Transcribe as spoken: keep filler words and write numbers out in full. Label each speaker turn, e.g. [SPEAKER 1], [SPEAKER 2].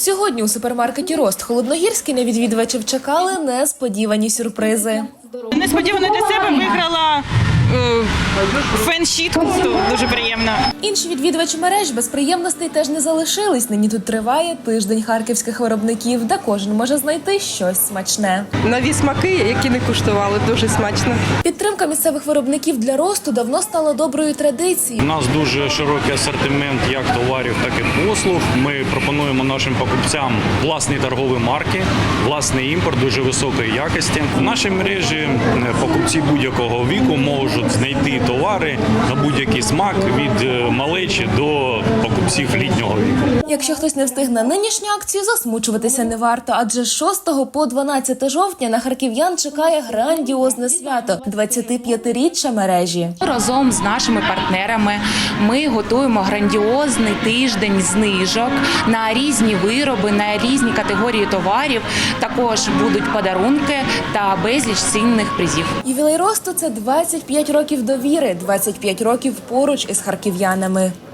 [SPEAKER 1] Сьогодні у супермаркеті «Рост» Холодногірський на відвідувачів чекали несподівані сюрпризи.
[SPEAKER 2] Несподівано для себе виграла е, фен-щітку, дуже приємно.
[SPEAKER 1] Інші відвідувачі мереж без приємностей теж не залишились. Нині тут триває тиждень харківських виробників, де кожен може знайти щось смачне.
[SPEAKER 3] Нові смаки, які не куштували, дуже смачно.
[SPEAKER 1] Підтримка місцевих виробників для «Росту» давно стала доброю традицією.
[SPEAKER 4] У нас дуже широкий асортимент як товарів, так і послуг. Ми пропонуємо нашим покупцям власні торгові марки, власний імпорт дуже високої якості. В нашій мережі покупці будь-якого віку можуть знайти товари на будь-який смак від малечі до покупців літнього віку.
[SPEAKER 1] Якщо хтось не встиг на нинішню акцію, засмучуватися не варто, адже з шостого по дванадцяте жовтня на харків'ян чекає грандіозне свято – двадцятип'ятиріччя мережі.
[SPEAKER 5] Разом з нашими партнерами ми готуємо грандіозний тиждень знижок на різні вироби, на різні категорії товарів. Також будуть подарунки та безліч цінних призів.
[SPEAKER 1] Ювілей «Росту» – це двадцять п'ять років довіри, двадцять п'ять років поруч із харків'янами.